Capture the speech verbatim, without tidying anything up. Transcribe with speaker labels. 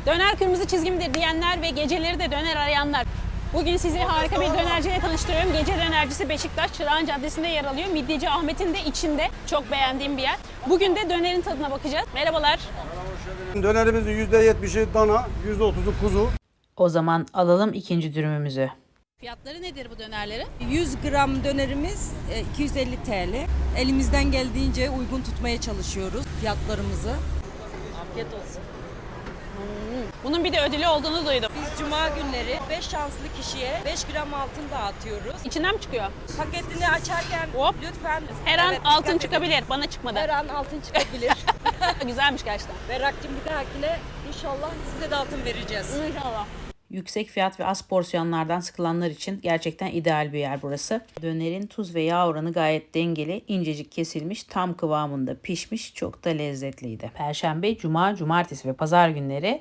Speaker 1: Döner kırmızı çizgimdir diyenler ve geceleri de döner arayanlar. Bugün sizi harika bir dönerciyle tanıştırıyorum. Gece dönercisi Beşiktaş Çırağan Caddesi'nde yer alıyor. Midyeci Ahmet'in de içinde. Çok beğendiğim bir yer. Bugün de dönerin tadına bakacağız. Merhabalar.
Speaker 2: Dönerimizin yüzde yetmişi dana, yüzde otuzu kuzu.
Speaker 3: O zaman alalım ikinci dürümümüzü.
Speaker 1: Fiyatları nedir bu dönerlerin?
Speaker 4: yüz gram dönerimiz e, iki yüz elli TL. Elimizden geldiğince uygun tutmaya çalışıyoruz fiyatlarımızı. Afiyet olsun.
Speaker 1: Bunun bir de ödülü olduğunu duydum.
Speaker 4: Biz cuma günleri beş şanslı kişiye beş gram altın dağıtıyoruz.
Speaker 1: İçinden mi çıkıyor?
Speaker 4: Paketini açarken
Speaker 1: Hop.
Speaker 4: lütfen
Speaker 1: Her an
Speaker 4: evet,
Speaker 1: altın
Speaker 4: dikkat edin.
Speaker 1: çıkabilir. Bana çıkmadı.
Speaker 4: Her an altın çıkabilir.
Speaker 1: Güzelmiş gerçekten.
Speaker 4: Berrak'cığım bir dahakine inşallah size de altın vereceğiz.
Speaker 1: İnşallah.
Speaker 3: Yüksek fiyat ve az porsiyonlardan sıkılanlar için gerçekten ideal bir yer burası. Dönerin tuz ve yağ oranı gayet dengeli, incecik kesilmiş, tam kıvamında pişmiş, çok da lezzetliydi. Perşembe, cuma, cumartesi ve pazar günleri